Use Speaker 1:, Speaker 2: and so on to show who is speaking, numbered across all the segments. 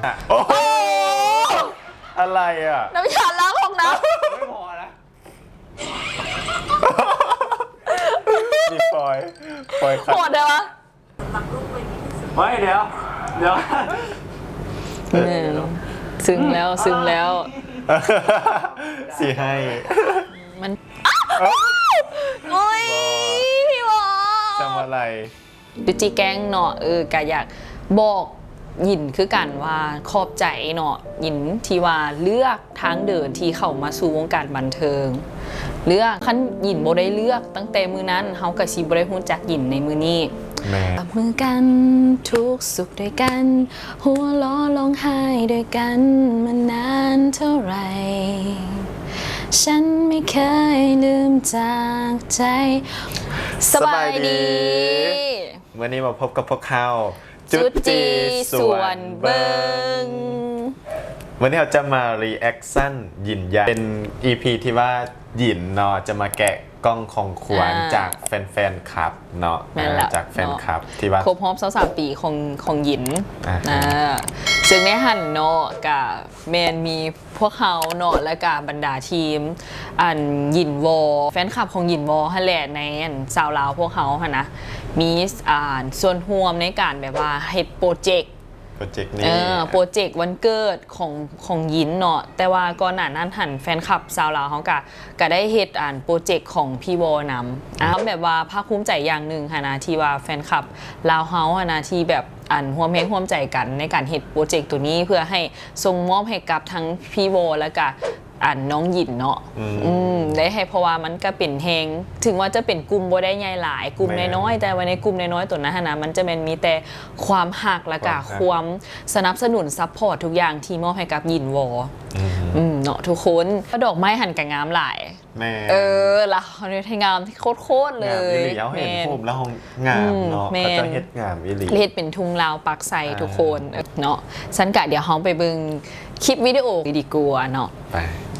Speaker 1: โอ้อะไรอ่ะ
Speaker 2: น้ำยาล้างห้องน้ำ
Speaker 3: ไม่พอนะ
Speaker 1: มีฟอยขัด
Speaker 2: โหดเลยวะ
Speaker 3: ไม่เดี๋ยว
Speaker 2: ซึ้งแล้ว
Speaker 1: สีให้
Speaker 2: มันโอ้ยพี่บอ
Speaker 1: ทำอะไร
Speaker 2: ดูจีแกงเนาะกะอยากบอกหยินคือกันว่าขอบใจเนาะหยินที่ว่าเลือกทางเดินที่เข้ามาสู่วงการบันเทิงเลือกขั้นหยินบ่ได้เลือกตั้งแต่มือนั้นเฮากับชีบ่ได้ฮู้จักหยินในมือนี้จับมือกันทุกสุขด้วยกันหัวล้อร้องไห้ด้วยกันมานานเท่าไหร่ฉันไม่เคยลืมจากใจสบายดี
Speaker 1: วันนี้มาพบกับพวกเขา
Speaker 2: จุดจีส่วนเบิง
Speaker 1: วันนี้เราจะมารีแอคชั่นหยินยาเป็น EP ที่ว่าหยินเนาะจะมาแกะกล้องของขวัญจากแฟนๆคลับเนาะจากแฟนคลับที่ว่า
Speaker 2: ครบรอบ23 ปีของหยินซึ่งในหันเนาะกับแมนมีพวกเขาเนาะและกับบรรดาทีมหยินวอแฟนคลับของหยินวอฮันแหละในสาวลาวพวกเขาค่ะนะมีส่วนร่วมในการแบบว่าเฮ็ดโปรเจกต์
Speaker 1: นี้
Speaker 2: โปรเจกต์วันเกิดของหยินเนาะแต่ว่าก่อนหน้านั้นหันแฟนคลับสาวลาวเขาก็ได้เฮ็ดโปรเจกต์ของพี่วอนำแบบว่าภาคภูมิใจอย่างหนึ่งค่ะนะที่ว่าแฟนคลับลาวเฮาค่ะนะที่แบบร่วมแรงร่วมใจกันในการเฮ็ดโปรเจกต์ตัวนี้เพื่อให้ส่งมอบให้กับทั้งพี่วอและก็น้องหยินเนาะได้ให้เพราะว่ามันก็เป็นแฮงถึงว่าจะเป็นกลุ่มบ่ได้ใหญ่หลายกลุ่มน้อยๆแต่ว่าในกลุ่มน้อยๆตัวนั้นนะมันจะเป็นมีแต่ความหักและก็ความสนับสนุนซัพพอร์ตทุกอย่างที่มอบให้กับหยินวอเนาะทุกคนดอกไม้หันกับงามหลายละเขาเนี่ยให้งามที่โคตรเลย
Speaker 1: แม่เห็นผมแล้วห้องงามเนาะเขาจะเฮ็ดงามอีหลี
Speaker 2: เฮ็ดเป็นทุ่งลาวปักไซทุกคนเนาะฉันกะเดี๋ยวเฮาไปเบิ่งคลิปวิดีโอดีกว่าเนาะ
Speaker 1: ไป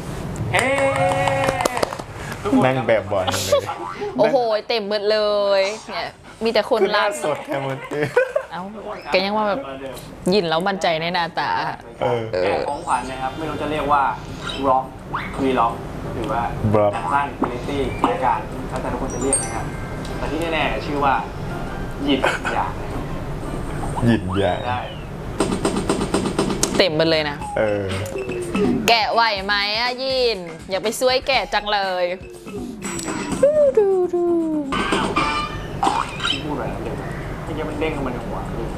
Speaker 1: นั่งแบบบอลเลย
Speaker 2: โอ้โหเต็มหมดเลยเนี่ยมีแต่คน
Speaker 1: ล่าสดแค่มัน
Speaker 2: ก็ยังว่าแบบยินแล้วมั่นใจในหน้าตา
Speaker 3: ของขวัญนะครับไม่รู้จะเรียกว่าร็อกวีล็อกหรือว่าสั้นคลิตี้รายการถ้าแต่ทุกคนจะเรียกนะครับแต่ที่แน่ๆชื่อว่าหยินยา
Speaker 1: หยินยา
Speaker 3: ได้
Speaker 2: เต็มหมดเลยนะแกะไหวไหมยินอยากไปช่วยแกะจังเลย
Speaker 3: ดูพูดอะไรเดี๋ยวมันเด้งเข้ามาในหัว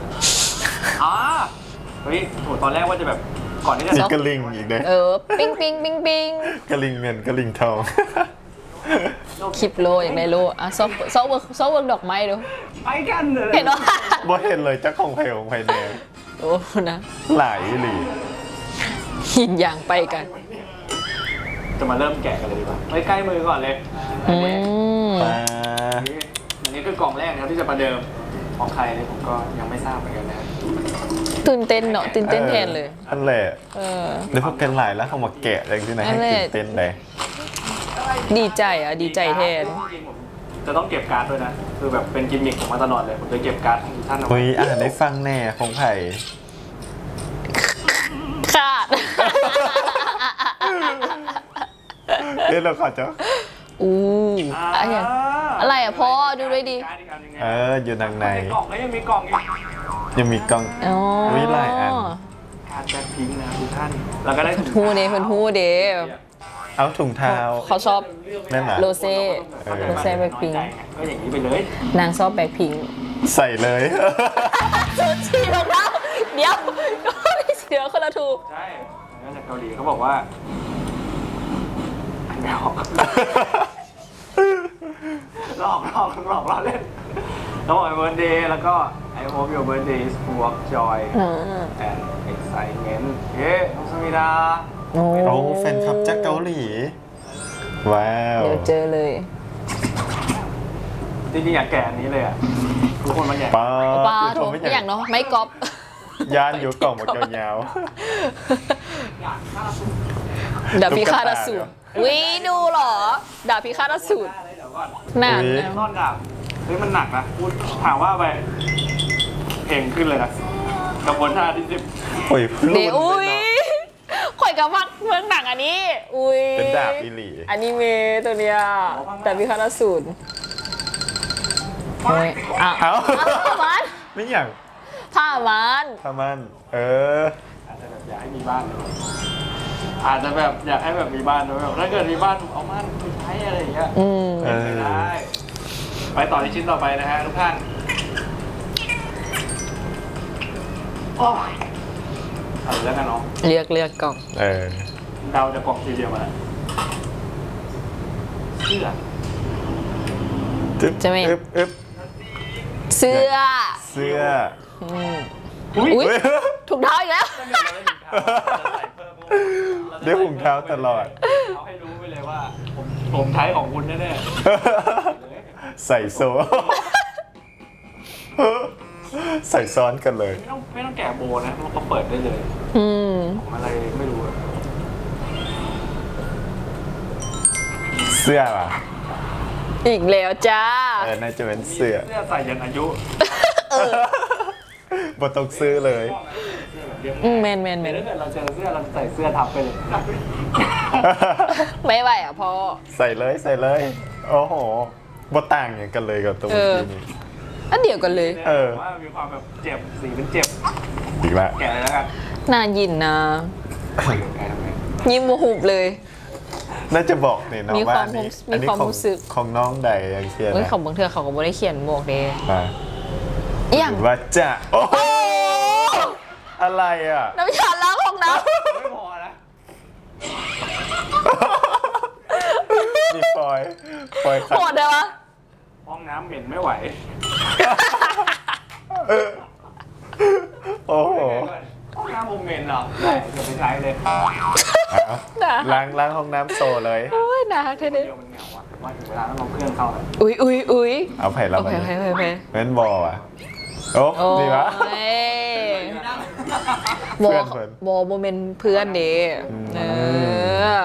Speaker 3: เฮ้ยโหตอนแรกว่าจะแบบก่อนที่จะ
Speaker 1: มีกระลิงอีกเลย
Speaker 2: ปิ้ง
Speaker 1: กระลิงเงินกระลิงทอง
Speaker 2: คลิปโลอย่างไรโลซอเวิร์กดอกไม้ดู
Speaker 3: ไปกันเลย
Speaker 2: เห็นว่า
Speaker 1: บ่เห็นเลยเจ้าของไผ่ของไผ่แดง
Speaker 2: โอ้นะ
Speaker 1: หลายหลี
Speaker 2: หินอย่างไปกัน
Speaker 3: จะมาเริ่มแกะกันเลยดีกว่าไปใกล้มือก่อนเลยอันนี้คือกล่องแรกนะครับที่จะประเดิมของใครเนี่ยผมก็ยังไม่ทราบเหมือนกันนะ
Speaker 2: ตื่นเต้นเนาะตื่นเต้นแทนเลย
Speaker 1: อันแหละเดี๋ยวพวกกันหลายแล้วเขามาแกะอะไรที่ไหนให้ตื่นเต้นเลย
Speaker 2: ดีใจแทน
Speaker 3: จะต้องเก็บการ์ดด้วยนะคือแบบเป็นกิมมิคของมาตลอดเลยผมจะเก็บการ์ดของท่านเอาไว้
Speaker 1: ได้ฟังแน่ของไผ่
Speaker 2: ขาด
Speaker 1: เราขอเจ้า
Speaker 2: อะไรพ่อดูด้วยดิ
Speaker 1: อยู่ทางใน
Speaker 3: กล่องแล้วยังมีกล่องอีก
Speaker 1: ยังมีกล่องวิไลอัน
Speaker 3: การแบ็คพิงค์นะทุกท่านแล้วก็ได้
Speaker 2: ฮูเดย์ฮูเดย์
Speaker 1: เอาถุงเท้า
Speaker 2: เขาชอบโรเซ่แบ็คพิงค์
Speaker 3: ก็อย่างนี้ไปเลย
Speaker 2: นางชอบแบ็คพิงค์
Speaker 1: ใส่เลย
Speaker 2: ชุดชีรองเท้าเดี๋ยวเดี๋ยวคนละถูก
Speaker 3: ใช่แล้วจากเกาหลีเขาบอกว่าไม่ออกหลอกเล่นต้องบอกเบิร์ธเดย์แล้วก็ I hope your birthday is full of joy and excitement น้องสมิดา
Speaker 1: โอ้แฟนคลับจากเกาหลีว้าว
Speaker 2: เดี๋ยวเจอเลย
Speaker 3: จริงๆอยากแก่อันนี้เลยอ่ะทุกคนมันใหญ่
Speaker 2: ป้าถูกอย่างเนาะไม่ก๊อป
Speaker 1: ยานอยู่กล่องหมดยาว
Speaker 2: ดาบพิฆาตอสูรวิดูหรอดาบพิฆาตอสูรหนักนะ
Speaker 3: นอนดาบเฮ้ยมันหนักนะพูดถามว่าไปเพลงขึ้นเลยนะกระบวนท่าที่สิบ
Speaker 1: โอ้ยรุ่น
Speaker 2: เดี๋ยว
Speaker 1: เล
Speaker 2: อุ้ย
Speaker 1: ยเนาะ
Speaker 2: ข่อยกับมักเมืองหนังอันนี้ อุ้ย
Speaker 1: เป็นดาบอีหลี
Speaker 2: อนิเมะตัวเนี้ยแต่พิฆาตอสูรโอ้ยอ่ะ
Speaker 1: เอ้า
Speaker 2: ผ้ามัน
Speaker 1: ไม่อย่าง
Speaker 2: ผ้ามัน
Speaker 1: ทำมัน
Speaker 3: อาจจะแบบอยากให้มีบ้านอาจจะแบบอยากให้แบบมีบ้านแบบถ้าเกิดมีบ้านเอาบ้านไปใช้อะไรอย่างเงี้ย
Speaker 2: อืม
Speaker 3: ไม่ได้ ไปต่อที่ชิ้นต่อไปนะฮะทุกท่านโอ้ยเอาเลยแล้วกันเนาะ
Speaker 2: เลือกกล่อง
Speaker 3: เดาจะกล่องสีเดียวมาแล้วเสื้อ
Speaker 2: จะไม่
Speaker 1: อึ๊บ
Speaker 2: เสื้อ
Speaker 1: เสื้อ
Speaker 2: อืม
Speaker 3: อุ้ย
Speaker 2: อุ๊ย
Speaker 1: เฮ้ย
Speaker 2: ถูกเท้าอีกแล้ว
Speaker 1: ได้ถุงเท้าตลอด
Speaker 3: เอาให้รู้ไปเลยว่า ผมใช้ของคุณแน่
Speaker 1: ใส่โซ่ ใส่ซ้อนกันเลย
Speaker 3: ๆไม่ต้องแกะโบนะมันก็เปิดได้เลย
Speaker 2: อืม
Speaker 3: ของอะไรไม่รู้อะ
Speaker 1: เสื้อป่ะ
Speaker 2: อีกแล้วจ้า
Speaker 1: น่าจะเป็นเสื้อ
Speaker 3: เสื้อใส่ยันอายุ
Speaker 1: บ่ต้องซื้อเลย
Speaker 2: แมน
Speaker 3: แต่ถ้าเกิดเราเจอเสื้อเราใส่เสื้อทับไปเลย
Speaker 2: ไม่ไหวอ่ะพ่อ
Speaker 1: ใส่เลย โอ้โหบ่ต่างอย่างกันเลยกับตัว
Speaker 2: เออ
Speaker 1: นี้
Speaker 2: อันเดียวกันเลย
Speaker 3: ว่ามีความแบบเจ็บสีเป็นเจ็บ
Speaker 1: อีกแล้ว
Speaker 3: แกะเลยแล้วกัน
Speaker 2: น่ายินนะ
Speaker 3: แกะทำไม
Speaker 2: ยิ้มโมหุบเลย
Speaker 1: น่าจะบอกเนี่ยเนาะ
Speaker 2: มี
Speaker 1: ว่า
Speaker 2: ความ
Speaker 1: อันนี้
Speaker 2: มี
Speaker 1: อันนี้
Speaker 2: ความ
Speaker 1: ของ
Speaker 2: รู้สึก
Speaker 1: ของน้องใดอย่างเชีย
Speaker 2: เฮ้ย
Speaker 1: นะ
Speaker 2: ของบางเทือเขาก็ไม่ได้เขียนบอกเด้
Speaker 1: อ่า
Speaker 2: อหย่าง
Speaker 1: หรือว่าจะโอ้โหอะไรอ่ะ
Speaker 2: น้ำยาล้างห้องน้
Speaker 3: ไม่พอนะ
Speaker 1: มีฟอยล์
Speaker 2: ำ
Speaker 1: ขัด
Speaker 2: โหดเลยวะ
Speaker 3: ห้องน้ำเหม็นไม่ไหว
Speaker 1: โอ้โห
Speaker 3: ห้องน้ำผมเหม็นเหรอได้เดี๋ยวไปใช้เลย
Speaker 1: อ่ะล้างห้องน้ำโซเลย
Speaker 2: โอ้ยน่าฮักเท่
Speaker 3: เดี๋ยวมันเหงาอ่ะว่าถึงเวลาต้องเอาเครื่องเข้าแล้ว
Speaker 2: อุ้ย
Speaker 1: เอาไผ่เรา
Speaker 2: โอ
Speaker 1: ไป
Speaker 2: เค
Speaker 1: เม้นบอลอ่ะโอ้
Speaker 2: โอ้
Speaker 1: ดีวะ
Speaker 2: ยบอ
Speaker 1: เพื่อน
Speaker 2: บอโมเมนเพื่อนเด้เออ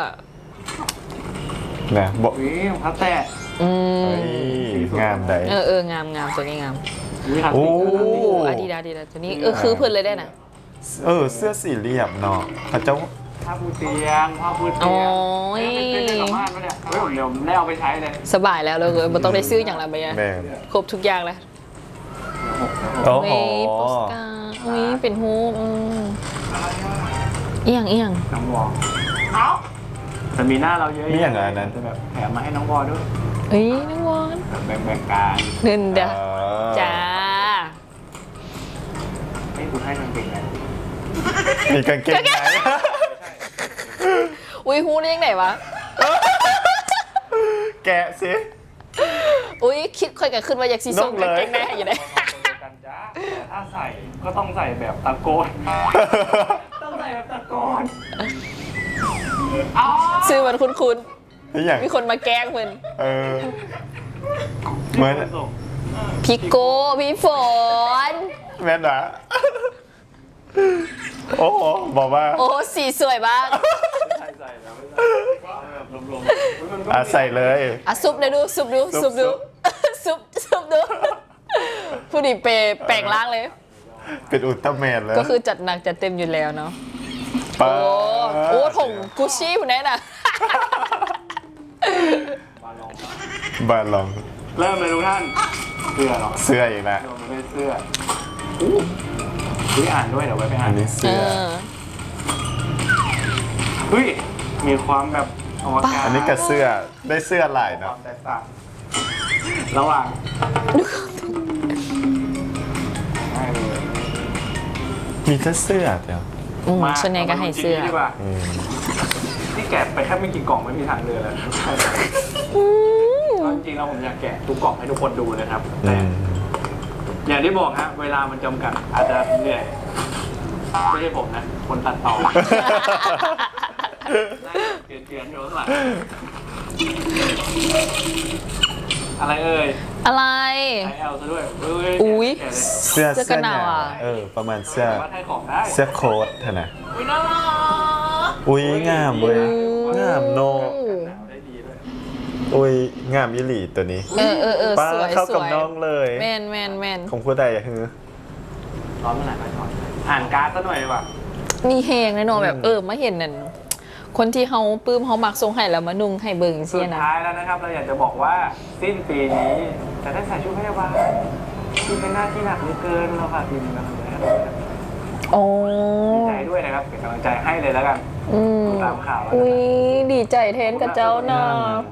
Speaker 1: นะบอก
Speaker 3: อุ้ยพัดแตะ
Speaker 2: อืม
Speaker 1: เฮ้ยงามใด
Speaker 2: งามตัวนี้งาม
Speaker 3: อุ้ยทัด
Speaker 1: โอ้
Speaker 2: อาดีดาตัวนี้คือเพื่อนเลยได้นะ
Speaker 1: เสื้อสี่เหลี่ยมเนาะเขาเจ้า
Speaker 3: ผ้าปูเตียงผ้าปูเตี
Speaker 2: โอ้
Speaker 3: ยง
Speaker 2: ย
Speaker 3: เป็นกลับบ้านปะเนี่ยเฮ้ยเดี๋ยวได้เอาไปใช้เลย
Speaker 2: สบายแล้วเลยมันต้องได้ซื้ออย่างไรไปอะ
Speaker 1: แม่
Speaker 2: ครบทุกอย่างแล้ว
Speaker 1: โอ้โห
Speaker 2: โปสการ์ดอุ้ยเป็นฮูปเอียง
Speaker 3: น้องวอแต่มีหน้าเราเยอะ
Speaker 1: มีอย่างไรนั้น
Speaker 3: จะแบบแถมมาให้น้องวอด้วย
Speaker 2: เอ้ยน้องวอน
Speaker 3: แบบแบ่งๆกัน
Speaker 2: เงินเด้อ
Speaker 1: เออ
Speaker 2: จ้า
Speaker 3: ให้คุณให้มันเป็นไง
Speaker 1: มีกางเกงใน
Speaker 2: อุ้ยฮูได้ยังไงวะ
Speaker 1: แกะสิ
Speaker 2: อุ้ยคิดค่อยกันขึ้นว่าอยากซีส่ง
Speaker 1: นกเลย
Speaker 2: กางเกงในให้อยู่ได้
Speaker 3: กันจ้าแต่ถ้าใส่ก็ต้องใส่แบบตะโกน ต้องใส่แบบตะโกนอ๋อ
Speaker 2: ซื้อมันคุ้น
Speaker 1: นี่อย่าง
Speaker 2: ๆมีคนมาแกล้งเพิ่น
Speaker 1: เออเหมือน
Speaker 2: พี่โก้พี่ฝน
Speaker 1: แม่นหรอโอ้โหบอกว่า
Speaker 2: โอ้สีสวยมาก
Speaker 3: ใส่แล้วไม่ใส่แบบรวมๆ
Speaker 1: ใส่เลย
Speaker 2: อ่ะซุปเลยดูซุปดู
Speaker 1: ซุป
Speaker 2: ซุปดูผู้ดีเปแปลงร่างเลย
Speaker 1: เป็นอุลตร้าแมนแล้ว
Speaker 2: ก็คือจัดหนักจัดเต็มอยู่แล้วเนาะ
Speaker 1: ปา
Speaker 2: โอ้ถงกุชชี่ผู้นั้นน่ะ
Speaker 1: บาลอง
Speaker 3: เริ่มเลยทุกท่านเสื้อเหรอ
Speaker 1: เสื้ออีกแล้ว
Speaker 3: เดี๋ยวมันเป็นเสื้ออุ้ยอ่านด้วยเดี๋ยวไว้ไปอ่า
Speaker 1: อั
Speaker 3: น
Speaker 1: นนี้
Speaker 2: เอ
Speaker 1: เสื้อ
Speaker 2: อ
Speaker 3: เฮ้ยมีความแบบอวกาศ
Speaker 1: อันนี้กับเสื้อได้เสื้อลาย
Speaker 3: ค
Speaker 1: เนาะ
Speaker 3: วามแตกต่างระหว่างได้เลย
Speaker 1: มีแค่เสื้อเดียว
Speaker 2: ส่วนใหญ่ก็ให้เสื้อ
Speaker 3: มาดูจริงๆดีกว่า
Speaker 1: อืม
Speaker 3: ที่แกะไปแค่ไม่กี่กล่องไม่มีทางเลือกแล้วจริงๆแล้วผมอยากแกะทุกกล่องให้ทุกคนดูนะครับ
Speaker 1: อื
Speaker 3: แต่
Speaker 1: ม
Speaker 3: อย่างที่บอกฮะเวลามันจำกัดอาจจะเหนื่อยไม่ใช่ผมนะ คนตัดต่อเกลียนๆอยู่ข้างหลังอะไรเอ่ย
Speaker 2: อะไร
Speaker 3: ไอเอลซะด้วยเ
Speaker 2: อุ๊ย
Speaker 3: แกะเลย
Speaker 1: เสื้อ
Speaker 2: เสื้อกันหนาวอ่ะ
Speaker 1: ประมาณเสื้อ
Speaker 3: ว่าให้ของได้
Speaker 1: เสื้อโค้ทเถอะนะ
Speaker 3: อุ้ยน่ารัก
Speaker 1: อุ้ยงามเว้ยงามโน
Speaker 3: หนาวได้ดีด้วย
Speaker 1: อุ้ยงามยี่หลีตัวนี้
Speaker 2: เออ
Speaker 1: ป้า
Speaker 2: สวย
Speaker 1: เข้า
Speaker 2: ส
Speaker 1: กับ
Speaker 2: วย
Speaker 1: น้องเลย
Speaker 2: แมน
Speaker 1: ของผู้ใดอะฮือ
Speaker 3: ร้อนเมื่อไหร่ไปถอดอ่านการ์ดซะหน่อยดีกว่า
Speaker 2: มีแหงแน่นอนแบบมาเห็นนั่นคนที่เขาปลื้มเขามักทรงให้แล้วมานุ่งให้เบิ่ง
Speaker 3: สุ
Speaker 2: เสีย
Speaker 3: ด
Speaker 2: นะ
Speaker 3: ท้ายแล้วนะครับ เราอยากจะบอกว่าสิ้นปีนี้จะได้ใส่ชุดพยาบาลที่เป็นหน้าที่หนักเหลือเกินเราค่ะทีมกำลังใจให้เราด้วยนะครับ
Speaker 2: โอ้
Speaker 3: ดีใจด้วยนะครับเป็นกำลังใจให้เลยแล้วกัน
Speaker 2: อืม
Speaker 3: ตามข่าวแล้ว
Speaker 2: อุ้ย
Speaker 3: นะ
Speaker 2: ดีใจแทนกับเจ้าเนาะ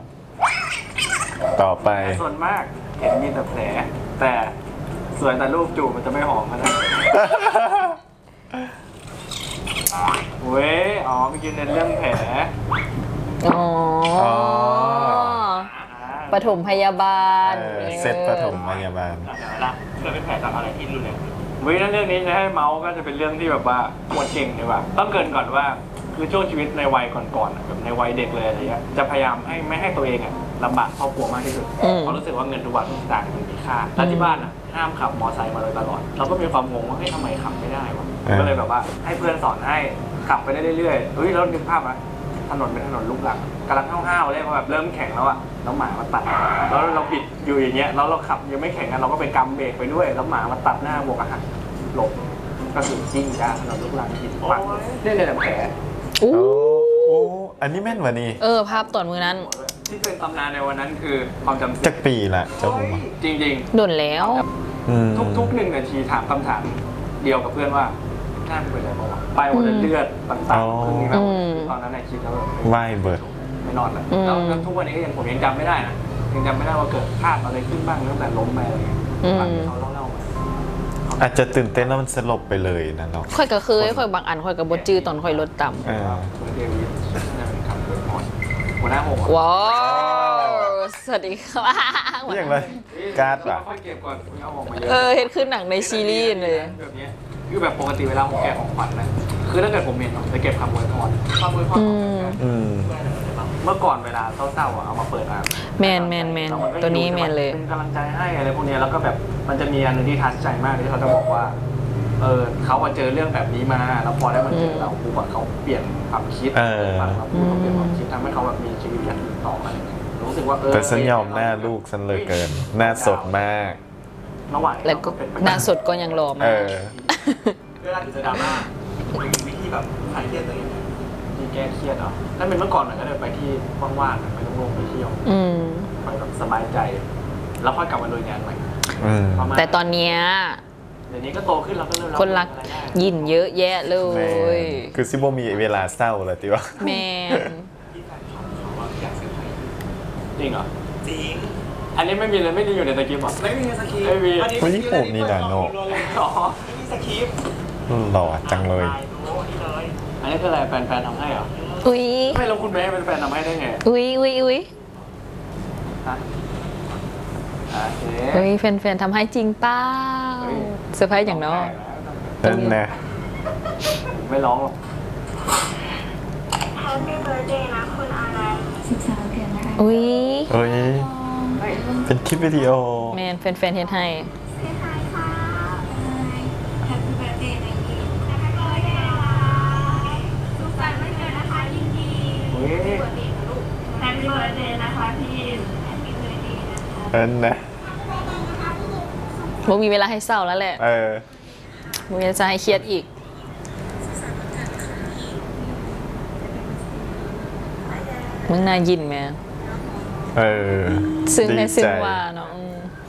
Speaker 1: ต่อไป
Speaker 3: ส่วนมากเห็นมีแต่แผลแต่สวยแต่รูปจูบมันจะไม่หอมขนาดนั้นเว้ยอ๋อเมื่อกี้เน้นเรื่องแผล
Speaker 2: อ๋อปฐมพยาบาล
Speaker 1: เซตปฐมพยาบาล
Speaker 3: นะเกิดเป็นแผลจากอะไรที่รุนแรงวิถ้าเรื่องนี้จะให้เมาส์ก็จะเป็นเรื่องที่แบบว่าปวดเก่งดีกว่าต้องเกรินก่อนว่าคือช่วงชีวิตในวัยก่อนๆอะแบบในวัยเด็กเลยอะไรเงี้ยจะพยายามไม่ให้ตัวเองอะลำบากครอบครัวมากที่สุดเพราะรู้สึกว่าเงินทุกบาททุกสตางค์มันมีค่าแล้วที่บ้านอะห้ามขับมอไซค์มาโดยตลอดเราก็มีความงงว่าเฮ้ยทำไมขับไม่ได้วะก็เลยแบบว่าให้เพื่อนสอนให้ขับไปได้เรื่อยๆเฮ้ยแล้วนึกภาพอะถนนเป็นถนนลูกรังกำลังห้าวๆเลยพอแบบเริ่มแข็งแล้วอะแล้วหมามาตัดแล้วเราบิดอยู่อย่างเงี้ยแล้วเราขับยังไม่แข็งกันเราก็ไปกำเบรกไปด้วยแล้วหมามาตัดหน้าบวกอาหารหลบก็คือจริงจ้าถนนลูกรังบิดปังเนี่ยเลยแผล
Speaker 2: อู้
Speaker 1: โอ้อันนี้แม่นวะนี่
Speaker 2: ภาพตอนมือนั้น
Speaker 3: ที่เป็นตำนานในวันนั้นคือความจำเสื่
Speaker 1: จั
Speaker 3: อก ม
Speaker 1: ปีละเจ้าผม
Speaker 3: จริง
Speaker 2: โดนแล้ว
Speaker 3: ทุกๆ1 นาทีถามคำถามเดียวกับเพื่อนว่าหน้าเป็นอะไรบ้างวะไปหมดเลยเลือดต่างๆคือแบบตอนนั้นในคิดแล้วแบบ
Speaker 1: ไหวเบิร์ด
Speaker 3: ไม่นอนเลยแล้วทุกวันนี้ก็ยังผมยังจำไม่ได้นะยังจำไม่ได้ว่าเกิดพลาดอะไรขึ้นบ้างตั้งแต่ล้มไปอะไรเงี้ยฟังที่เขาเล่ามา
Speaker 1: อาจจะตื่นเต้นแล้วมันสลบไปเลยนะเนาะ
Speaker 2: ค่อยก็เคยค่อยบางอันค่อยกับบจื้อตอนค่อยลดต่ำ
Speaker 1: เออ
Speaker 3: เดวิดน่าจะเป็นคำเปิดพรหัวหน้าหง
Speaker 2: ว้าวสวัสดีครับ
Speaker 1: เรียกเลยการ์ดว่ะ
Speaker 3: ค่อยเก็บก่อนเอาออกมาเยอะ
Speaker 2: เฮ็ดขึ้นหนังในซีรีส์เลย
Speaker 3: แบบนี้คือแบบปกติเวลาผมแกะของขวัญนะคือถ้าเกิดผมเห็นผมจะเก็บคำอวยพรคำอวยพรของแฟน
Speaker 1: อืม
Speaker 3: เมื่อก่อนเวลาเศร้าๆอ่ะเอามาเปิดอ่าน
Speaker 2: แมนตัวนี้แมนเลย
Speaker 3: เป็นกำลังใจให้อะไรพวกนี้แล้วก็แบบมันจะมีอันนึงที่ทัชใจมากที่เขาจะบอกว่าเขาเจอเรื่องแบบนี้มาแล้วพอได้มาเจอเราปุ๊บอะเขาเปลี่ยนความคิดฟังเราพูดเขาเปลี่ยนความคิดทำให้เขาแบบมีชีวิตอย่างอื่นต่ออะไรเงี้ยรู้สึกว่า
Speaker 1: แต่ฉันยอมหน้าลูกฉันเลยเกิน หน้าสดมาก
Speaker 3: ระหว่าง
Speaker 2: แล้วก็หน้าสดก็ยังรอมา
Speaker 1: เอก อ
Speaker 3: เวลาจะดราม่ามีวิธีแบบคลายเครียดตัวเองที่แก้เครียดเหรอถ้าเป็นเมื่อก่อนหน่อยก็เลยไปที่ว่างๆไปโล่งๆไปเที่ยว
Speaker 2: อืม
Speaker 3: ไปแบบสบายใจ แล้วค่อยกลับมาลุยงานใหม่
Speaker 1: อืม
Speaker 3: ประมาณ
Speaker 2: แต่ตอนเนี้ย
Speaker 3: เดี๋ยวนี้ก็โตขึ้นแล้วก็เริ่ม
Speaker 2: คนรักยินเยอะแยะเล
Speaker 1: แม่
Speaker 2: ย
Speaker 1: คือซิโบมีเวลาเศร้าเลยติวะ
Speaker 2: แมน
Speaker 3: จริงเหรอจริงอันนี้ไม่มีเลยไม่ได้อยู่ในสคริปต์หรอไม่มีสคริปต์ไม่มี
Speaker 1: วันนี้ผมนี่นะโน
Speaker 3: อ๋อไม่มีสคริปต์
Speaker 1: หล่อจังเลย
Speaker 3: อันนี้คืออะไรแฟนๆทำให้เหรอ
Speaker 2: อุ้ย
Speaker 3: ไม่แล้วคุณแม่เป็นแฟนทำให้ได้ไง
Speaker 2: อุ้ย
Speaker 3: ฮะโอเค
Speaker 2: อุ้ยแฟนๆทำให้จริงเป้าเซอร์ไพรส์อย่างน้อย
Speaker 1: นั่นนะ
Speaker 3: ไม่ร้องหรอก
Speaker 4: Happy birthday นะคุณอะไร13 เดือนนะคะ
Speaker 2: อุ้ย
Speaker 1: เฮ้ย เป็นคลิปวิดีโอ
Speaker 2: แมนแฟนๆเฮ็ดให้
Speaker 4: เซฮายค่ะ Happy birthday นะยิน Happy birthday นะคะสุขสันต์วันเกิดนะคะยินดี
Speaker 3: เฮ้ย
Speaker 4: Happy birthday นะคะพี่ยิน Happy birthday นะคะ
Speaker 1: นั่นนะ
Speaker 2: บ่มีเวลาให้เศร้าแล้วแหละ
Speaker 1: เออ
Speaker 2: บ่มีเวลาให้เครียดอีก มึงน่ายินแม่
Speaker 1: เออ
Speaker 2: ซึ่งใน
Speaker 1: ดี
Speaker 2: ซึ่ง
Speaker 1: ใจ
Speaker 2: ว่าเนาะ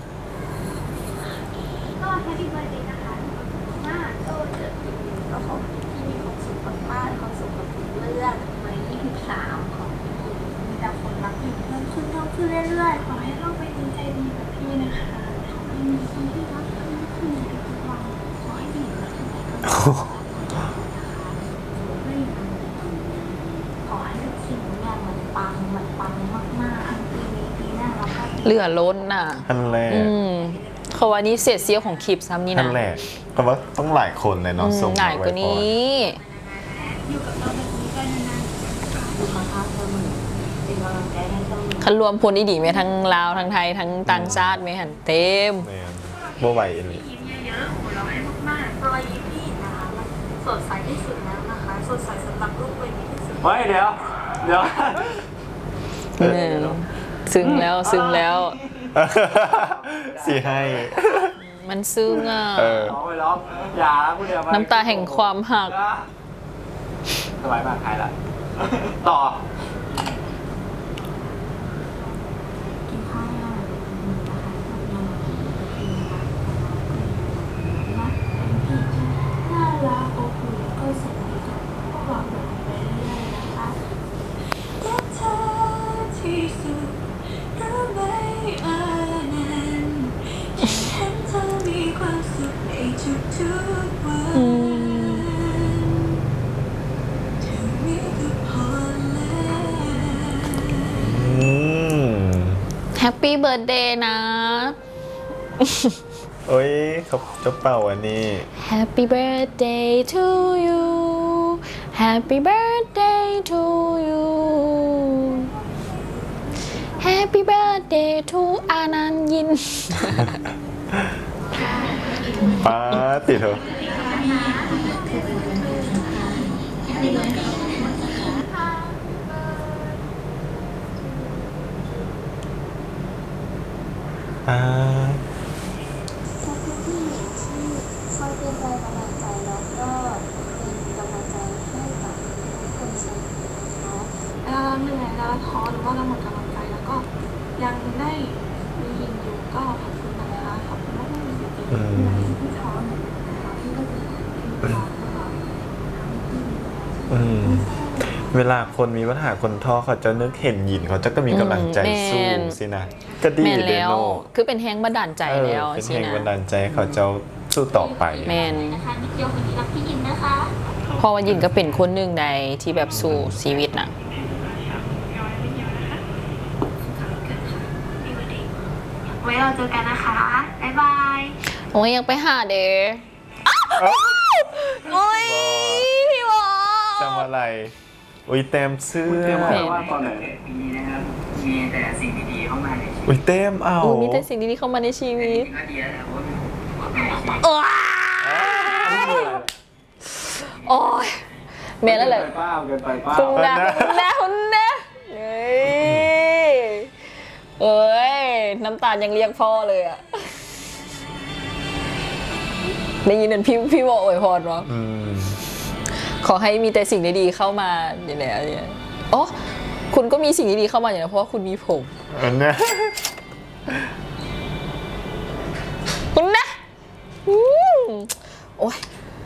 Speaker 4: ก็ Happy birthday นะคะมากก็เกิดปีนี้ก็ขอให้พี่มีความสุขมากๆความสุขกับทุกเรื่องใน23ของพี่มีแต่คนรักอยู่เพิ่มขึ้นเรื่อยๆขอให้เราไปดีใจดีกับพี่นะคะขอให้มีคนที่รักเพิ่มขึ้นในทุกวันขอให้ดีกว่าที่ไหนก็ได้ไม่มีปัญหาขอให้ทุกสิ่งทุกอย่างมันปังมากๆทั้งปีนี้ปีหน้าเราก็
Speaker 2: เหลือล้นน่ะ
Speaker 1: ท่านแรก
Speaker 2: เขาว่านี่เศษเสี้ยวของคลิปซ้ำนี่
Speaker 1: ท่า
Speaker 2: นะ
Speaker 1: นแรกก็ว่าต้องหลายคนเลยเนาะส่ง
Speaker 2: หลายกว่านี้
Speaker 4: อยู่กับเราแบบนี้ก็นานๆอยู่ข้างๆเสมอเป็นกำลังใจให้เสมอ
Speaker 2: คันรวมพลอีดีไหมทั้งลาวทั้งไทยทั้งต่างชาติไหมหันเต็ม
Speaker 1: แมนบ่ไหวเลย
Speaker 4: ยิ้มเยอะๆหัวเราะให้มากๆรอยยิ้มพี่นะคะมันสดใสที่สุดแล้วนะคะ สดใสสำหรับลูกวัยนี้ที่สุด
Speaker 3: เฮ้ยเดี๋ยว
Speaker 2: ซึ้งแล้ว
Speaker 1: สิให้
Speaker 2: มันซึ้งอ่ะ
Speaker 3: ร้องไปร้องอย่าพูดเดียว
Speaker 2: น้ำตาแห่งความหัก
Speaker 3: สบายมากหายละต่อ
Speaker 4: กินข้าวยังนะคะเป็นพี่ที่น่ารักอบอุ่นแล้วก็สนิทกับพวกเราแบบไปเรื่อยๆนะคะรักเธอที่สุดรู้ไหมนั้นฉันเห็นเธอมีความสุขในทุกๆวัน เธอมีก็พอแล้ว
Speaker 2: แฮปปี้เบิร์ดเดย์นะ
Speaker 1: โอ้ยเขาจะเป่าอันนี้
Speaker 2: Happy birthday to you Happy birthday to you Happy birthday to อานันยิน
Speaker 1: ป้าติดเถอะป้า
Speaker 4: ขอบคุณที่คอยเป็นแรงบันดาลใจแล้วก็เป็นกำลังใจให้กับทุกคนเสมอนะคะเหนื่อยแล้วท้อหรือว่าเราหมดกำลังใจแล้วก็ยังได้มียินอยู่ก็ขอบคุณนะคะขอบคุณมากๆจริงๆที่ท้อเหมือนกันนะคะที่ก็เป็นที่ท้อตลอด
Speaker 1: เวลาคนมีปัญหาคนท้อเขาจะนึกเห็นหยินเขาจะก็มีกำลังใจสู้
Speaker 2: แม่น
Speaker 1: สินะก็ดี
Speaker 2: แม่น
Speaker 1: เด
Speaker 2: แล้ว
Speaker 1: โน
Speaker 2: คือเป็นแฮงบันดาลใจแล้ว
Speaker 1: เป็น
Speaker 2: สิ
Speaker 1: แรง
Speaker 2: นะ
Speaker 1: บันดาลใจให้เขาจะสู้ต่อไป
Speaker 2: แมน
Speaker 4: นะคะนิดเดียวคนนี้รักพี่ยินนะคะ
Speaker 2: เพราะว่ายินก็เป็นคนหนึ่งในที่แบบสู้ชีวิตน่ะ
Speaker 4: ไว้เราเจอกันนะคะ บ๊ายบาย
Speaker 2: โอ้ยยังไปหาเด้โอ้ยพี่วอ
Speaker 1: จำอะไร อุ้ยเต็มเสื้
Speaker 3: คุณ
Speaker 1: อ
Speaker 3: เตรียมไว้ว่าตอนไหน
Speaker 5: มีนะครับมีแต่สิ่งดีๆเข้ามาในชีวิต
Speaker 1: อุ้ยเต็มเอา
Speaker 2: โอ้ยมีแต่สิ่งดีๆเข้ามาในชีวิต
Speaker 5: ก็ดีแล้วแหละเพราะว่ามีความในชีวิต
Speaker 2: ว้าโอ้ยเมย์แล้วแหละ
Speaker 3: เกินไปเป้าเกินไปเป้า
Speaker 2: คุณนะเฮ้ยเอ้ยน้ำตาลยังเรียกพ่อเลยอะได้ยินเหมือนพี่วออวยพรวะ
Speaker 1: อืม
Speaker 2: ขอให้มีแต่สิ่งดีๆเข้ามาอย่างเนี้ยอ๋อคุณก็มีสิ่งดีๆเข้ามาอย่างนี้เพราะว่าคุณมีผม
Speaker 1: อันเนี้ย
Speaker 2: คุณนะอืมโอ้ย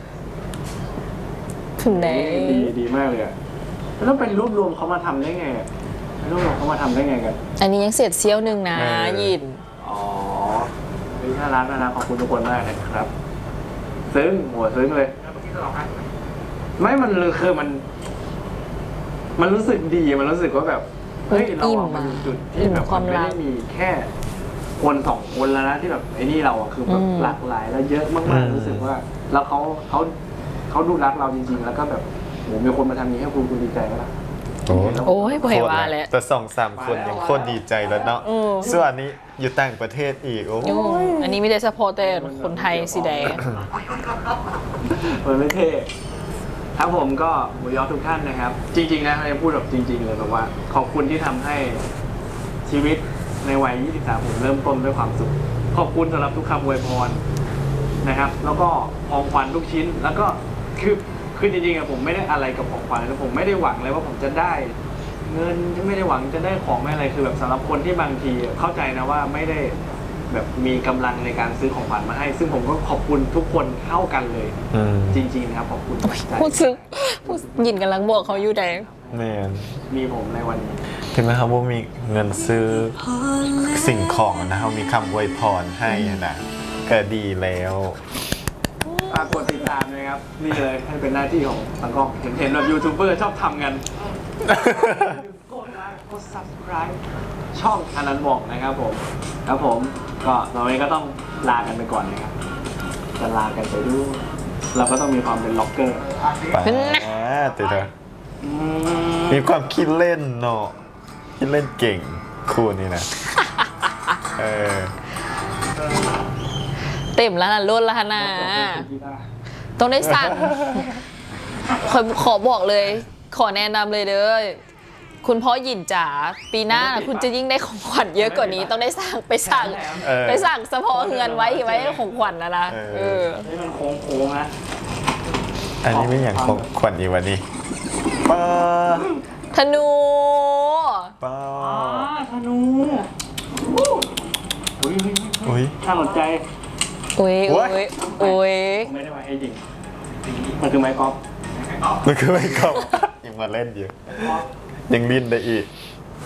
Speaker 2: คุณไหน
Speaker 3: ดีมากเลยอ่ะแล้วเป็นรวบรวมเขามาทำได้ไงอะรวบรวมเขามาทำได้ไงกัน
Speaker 2: อันนี้ยังเศษเสี้ยวหนึ่งนะยิน
Speaker 3: อ๋อน่ารักขอบคุณทุกคนมากนะครับ ซึ้งหัวซึ้งเลย ไม่มันเลยคือมันรู้สึกดี มันรู้สึกว่าแบบ เฮ้ย เราอะมันอยู่จุดที่แบบมันไม่ได้มีแค่คนสองคนแล้วนะที่แบบไอ้นี่เราอะคือแบบหลากหลายแล้วเยอะมากๆรู้สึกว่า แล้วเขาดูรักเราจริง ๆ แล้วก็แบบโหมีคนมาทำนี้ให้คุณดีใจไหมล่ะ
Speaker 2: โอ้ยบ่อยว่าแล้ว
Speaker 1: แต่2-3 คนยังโคตรดีใจแล้วเนาะ
Speaker 2: อืม
Speaker 1: ส่วนอันนี้อยู่ต่างประเทศอีกโอ้
Speaker 2: ยุ่งอันนี้ไม่ได้เฉพาะแต่คนไทยสิแดง
Speaker 3: มันไม่เท่ครับผมก็หมูยอทุกท่านนะครับ จริงๆนะเราจะพูดแบบจริง ๆ เลยแบบว่า ขอบคุณที่ทำให้ชีวิตในวัย 23 ผมเริ่มต้นด้วยความสุข ขอบคุณสำหรับทุกคำอวยพรนะครับ แล้วก็ของขวัญทุกชิ้น แล้วก็คือจริงๆอะผมไม่ได้อะไรกับของขวัญนะผมไม่ได้หวังเลยว่าผมจะได้ เงินไม่ได้หวังจะได้ของไม่อะไรคือแบบสำหรับคนที่บางทีเข้าใจนะว่าไม่ได้แบบมีกำลังในการซื้อของขวัญมาให้ ซึ่งผมก็ขอบคุณทุกคนเท่ากันเลย
Speaker 1: อืม
Speaker 3: จริงๆนะครับขอบคุณจากใจ
Speaker 2: พูดซึ้งพูดยินกำลังบอกเขาอยู่แดง
Speaker 1: แม่น
Speaker 3: มีผมในวันนี้
Speaker 1: ถึงแม้ครับว่ามีเงินซื้อสิ่งของนะครับมีคำอวยพรให้นะก็ดีแล้ว
Speaker 3: ฝากกดติดตามนะครับ นี่เลยให้เป็นหน้าที่ของสังกล้องเห็นแบบยูทูบเบอร์ชอบทำกัน กดไลค์กด subscribe ช่องอนันต์บอกนะครับผม ครับผมก็ตอนนี้ก็ต้องลากันไปก่อนนะครับ จะลากันไปด้วยเราก็ต้องมีความเป็นล็อกเกอร์
Speaker 1: ไปติดเถอะมีความคิดเล่นเนาะคิดเล่นเก่งคู่นี้นะ เออ
Speaker 2: เต็มแล้วนะล้นแล้วนะต้องได้สั่งขอบอกเลย ขอแนะนำเลยเด้อคุณพ่อหยินจ๋าปีหน้าคุณจะยิ่งได้ของขวัญเยอะกว่านี้ต้องได้สั่งไปสั่งเฉพาะเงินไว้ของขวัญนะ
Speaker 3: นี่มันโค้งๆนะ
Speaker 1: อันนี้ไม่อย่างของขวัญอีกวันนี้ป้า
Speaker 2: ธนู
Speaker 1: ป้า
Speaker 3: ธนูอุ้ยน่าสนใจ
Speaker 2: อุ้ย
Speaker 3: ผมไม่ได้มาให้ยิงมันคือไม้กอล์ฟ
Speaker 1: มันคือไม่กลับยังมาเล่นอยู่ยังลิ้นได้อีก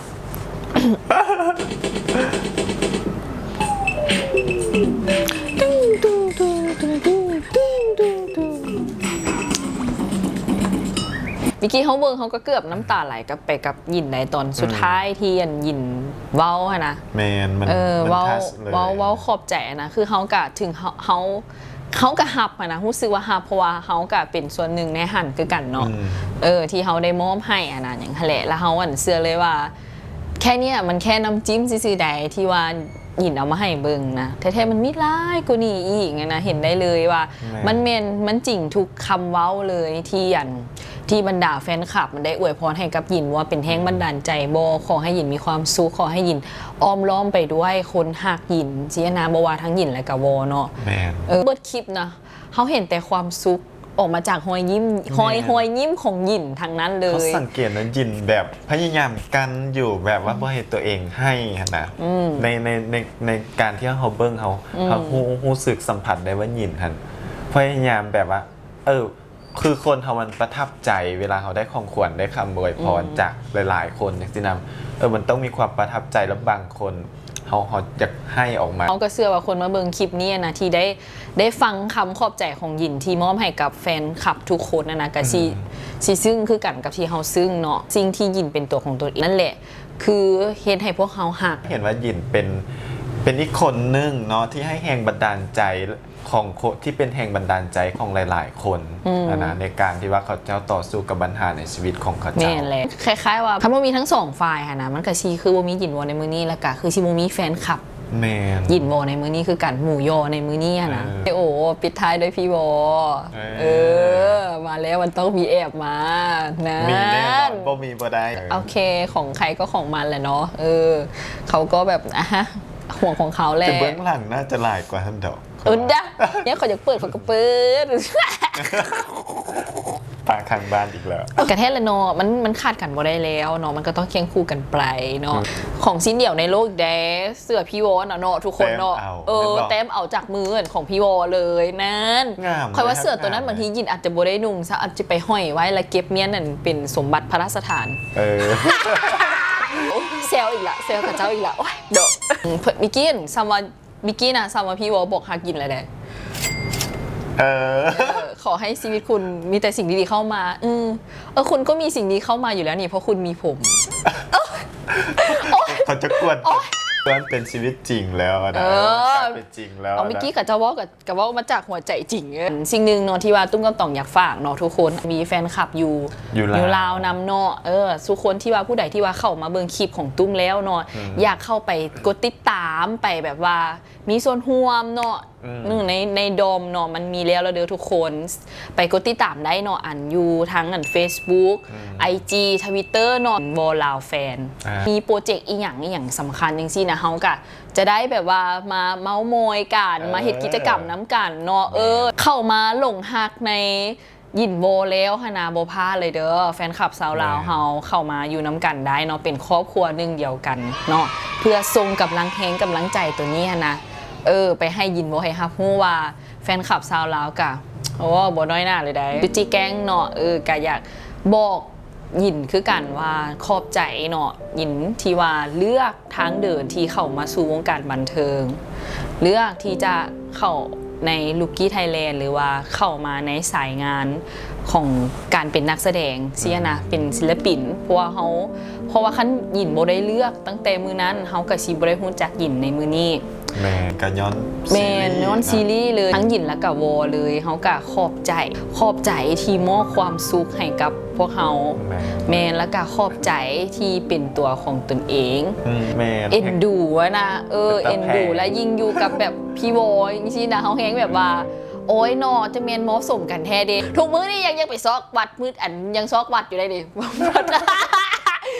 Speaker 2: เมื่อกี้เขาเบิ่งเขาก็เกือบน้ำตาไหลกับไปกับหยินในตอนสุดท้ายที่หยินเว้าอะนะ
Speaker 1: แมนมัน
Speaker 2: เว้า
Speaker 1: ทัชเลย
Speaker 2: เว้าขอบใจนะคือเขากะถึงเขากะฮับอะนะรู้สึกว่าฮับเพราะว่าเขากะเป็นส่วนหนึ่งในหันคือกันเนาะที่เขาได้มอบให้อะนะอย่างทะเลแล้วเขาเชื่อเลยว่าแค่เนี้ยมันแค่น้ำจิ้มซื่อๆใดที่ว่าหยินเอามาให้เบิ่งนะแท้ๆมันมีหลายกว่านี้อีกนะเห็นได้เลยว่ามันจริงทุกคำเว้าเลยที่บรรดาแฟนคลับมันได้อวยพรให้กับหยินว่าเป็นแห้งบันดาลใจโบขอให้หยินมีความสุขขอให้หยินอ้อมล้อมไปด้วยคนหักหยินเสียนาบว่าทั้งหยินและกับโบเนาะเบิดคลิปนะเขาเห็นแต่ความสุขออกมาจากหอยยิ้มของหยินทางนั้นเลย
Speaker 1: เขาสังเกตนะหยินแบบพยายามกันอยู่แบบว่าเพื่อให้ตัวเองให้นะในการที่เขาเบิ้งเขารู้สึกสัมผัสได้ว่าหยินคันพยายามแบบว่าคือคนเขามันประทับใจเวลาเขาได้ของขวัญได้คำอวยพรจากหลายๆคนอย่างที่นำมันต้องมีความประทับใจแล้วบางคนเขาอยากให้ออกมา
Speaker 2: เขาก็เชื่อว่าคนมาเบิ่งคลิปนี้นะที่ได้ฟังคำขอบใจของหยินที่มอบให้กับแฟนคลับทุกคนนะก็ซีซึ่งคือกันกับที่เขาซึ่งเนาะสิ่งที่หยินเป็นตัวของตัวเองนั่นแหละคือเห็นให้พวกเขาหัก
Speaker 1: เห็นว่าหยินเป็นอีกคนนึงเนาะที่ให้แรงบันดาลใจของที่เป็นแห่งบันดาลใจของหลายๆคนนะในการที่ว่าเขาเจ้าต่อสู้กับปัญหาในชีวิตของเขาเจ้า
Speaker 2: แม่นเลยคล้ายๆว่าถ้ามันมีทั้งสองฝ่ายค่ะนะมันก็ชีคือว่ามีหยินวอในมือนี้แล้วก็คือชีมีแฟนคลับ
Speaker 1: แม่น
Speaker 2: หยินวอในมือนี้คือกันหมู่ยอในมือนี้นะโอ้ปิดท้ายด้วยพี่วอมาแล้วมันต้องมีแอบมานะ
Speaker 1: มีแน่นอนบ่มีบ่ได้
Speaker 2: โอเคของใครก็ของมันแหละเนาะเขาก็แบบห่วงของเขาแหละ
Speaker 1: แต่เบื้องหลังน่าจะหลายกว่าท่านดอก
Speaker 2: เนี่ยเขาอยากเปิดเขาก็เปิด
Speaker 1: ปากข้างบ้านอีกแล้ว
Speaker 2: กระแทกเลยเนาะมันขาดกันบ่ได้แล้วเนาะมันก็ต้องเคียงคู่กันไปเนาะของชิ้นเดี่ยวในโลกแดเสื้อพี่วอเนาะทุกคนเนาะเต็มเอาจากมือของพี่วอเลยนั่นคอยว่าเสื้อตัวนั้นบางทียินอาจจะบ่ได้นุ่งซะอาจจะไปห้อยไว้แล้วเก็บเมียนนั่นเป็นสมบัติพระราชทานเซลอีกละเซลกับเจ้าอีกละโอ้ยเด้อมิกกี้ซัมว่าพี่วอบอกหากินอะไรได้ขอให้ชีวิตคุณมีแต่สิ่งดีๆเข้ามาคุณก็มีสิ่งดีเข้ามาอยู่แล้วนี่เพราะคุณมีผม
Speaker 1: เขาจะกวนมันเป็นชีวิตจริงแล้วนะเป็นจริงแล้ว
Speaker 2: เอาเมื่อกี้กับเจ้าว่ากับว่ามาจากหัวใจจริงสิ่งหนึ่งเนาะที่ว่าตุ้มกับต่องอยากฝากเนาะทุกคนมีแฟนคลับอยู่ลาวนำเนาะทุกคนที่ว่าผู้ใดที่ว่าเข้ามาเบิ่งคลิปของตุ้มแล้วเนาะอยากเข้าไปกดติดตามไปแบบว่ามีส่วนร่วมเนาะในโดมเนาะมันมีแล้วเด้อทุกคนไปกดติดตามได้เนาะอยู่ทั้งFacebook IG Twitter เนาะวอลาวแฟนมีโปรเจกต์อีหยังสำคัญจริงๆนะเฮาก็จะได้แบบว่ามาเม้ามอยกันมาเฮ็ดกิจกรรมน้ำกันเนาะเข้ามาหลงฮักในยินโบแล้วฮานาโบพาเลยเด้อแฟนคลับสาวลาวเฮาเข้ามาอยู่น้ำกันได้เนาะเป็นครอบครัวหนึ่งเดียวกันเนาะเพื่อส่งกำลังแฮงกำลังใจตัวนี้นะไปให้ยินโบให้ฮับฮู้ว่าแฟนคลับสาวลาวกะบ่น้อยหน้าเลยได้จุจิแก๊งเนาะก็อยากบอกยินคือกันว่าขอบใจเนาะยินที่ว่าเลือกทางเดินที่เข้ามาสู่วงการบันเทิงเลือกที่จะเข้าในลูกกี้ไทยแลนด์หรือว่าเข้ามาในสายงานของการเป็นนักแสดงเสียนะเป็นศิลปินเพราะว่าคันหยินบ่ได้เลือกตั้งแต่มือนั้นเฮาก็สิบ่ได้ฮู้จักหยินในมือนี้
Speaker 1: แม่ก็ย้
Speaker 2: อนซีรีส์เลยทั้งหยินและกับวอเลยเฮาก็ขอบใจที่มอบความสุขให้กับพวกเฮาแม่แล้วก็ขอบใจที่เป็นตัวของตนเองเอ็นดูนะเอ็นดูและยิ่งอยู่กับแบบพี่วอจริงๆนะเฮาแฮงแบบว่าโอ้ยนอจะเมียนมอสมกันแท้เด้ทุกมื้อนี่ยังไปซอกวัดมืดอันยังซอกวัดอยู่ได้ดิ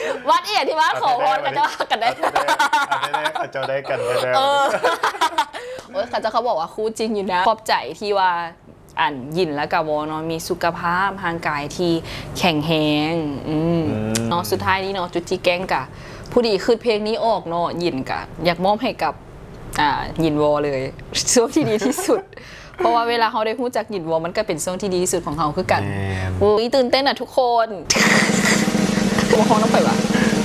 Speaker 2: วัดเอียดที่ว่าขอพรกันจะว่ากันได้
Speaker 1: เขาจะได้กันได้
Speaker 2: เออโอ้ยเขาบอกว่าคู่จริงอยู่นะขอบใจที่ว่าหยินและกะวอเนาะมีสุขภาพทางกายที่แข็งแรงเนาะสุดท้ายนี้เนาะจุดจีแกงกะผู้ดีขึ้นเพลงนี้ออกเนาะหยินกะอยากมอบให้กับหยินวอเลยช่วงที่ดีที่สุด เพราะว่าเวลาเขาได้พูดจากหยินวอมันก็เป็นช่วงที่ดีที่สุดของเขาคือกันอุ้ยตื่นเต้นทุกคนตัวของต้องไปวะ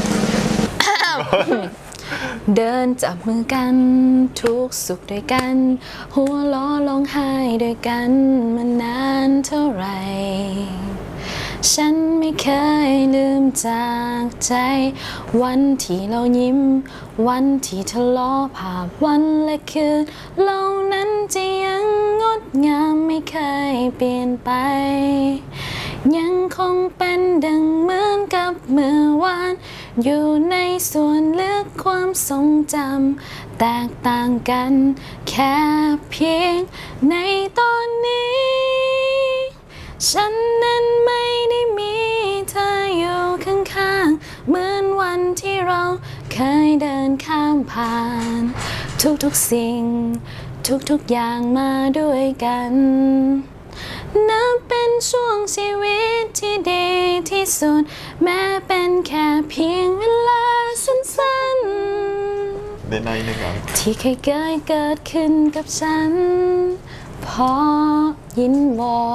Speaker 2: เดินจับมือกันทุกสุขด้วยกันหัวล้อร้องไห้ด้วยกันมานานเท่าไหร่ฉันไม่เคยลืมจากใจวันที่เรายิ้มวันที่ทะเลาะภาพวันและคืนเหล่านั้นจะยังงดงามไม่เคยเปลี่ยนไปยังคงเป็นดังเหมือนกับเมื่อวานอยู่ในส่วนลึกความทรงจำแตกต่างกันแค่เพียงในตอนนี้ฉันนั้นไม่ได้มีเธออยู่ข้างๆเหมือนวันที่เราเคยเดินข้ามผ่านทุกๆสิ่งทุกๆอย่างมาด้วยกันนับเป็นช่วงชีวิตที่ดีที่สุดแม้เป็นแค่เพียงเวลาสั้นๆ
Speaker 1: ได้ในหนึ่ง
Speaker 2: ที่เคยเกิดขึ้นกับฉันพอยินวอ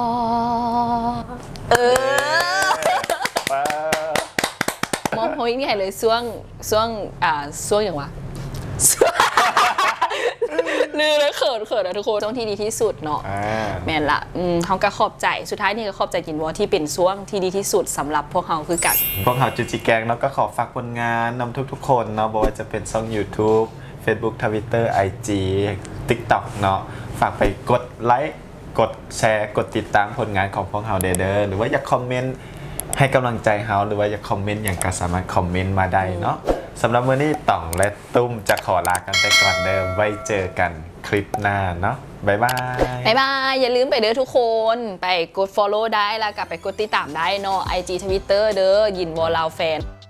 Speaker 2: มองโฮยนี่ใหญ่เลยช่วงอย่างวะนี่เลยเขินนะทุกคนช่วงที่ดีที่สุดเนาะแม่นละเขาก็ขอบใจสุดท้ายนี่ก็ขอบใจกินวอที่เป็นช่วงที่ดีที่สุดสำหรับพวกเขาคือกัน
Speaker 1: พวกเขาจุจิแกงเนาะก็ขอฝากผลงานนำทุกๆคนเนาะบอกว่าจะเป็นช่อง YouTube Facebook Twitter IG TikTok เนาะฝากไปกดไลค์กดแชร์กดติดตามผลงานของพวกเขาเด้อหรือว่าอยากคอมเมนต์ให้กำลังใจเขาหรือว่าอยากคอมเมนต์อย่างก็สามารถคอมเมนต์มาได้เนาะสำหรับมื้อนี้ต่องและตุ้มจะขอลากันไปก่อนเดิมไว้เจอกันคลิปหน้าเนาะบ๊ายบาย
Speaker 2: อย่าลืมไปเด้อทุกคนไปกด follow ได้แล้วกลับไปกดติดตามได้เนาะ IG Twitter เด้อยินวอลลาวแฟน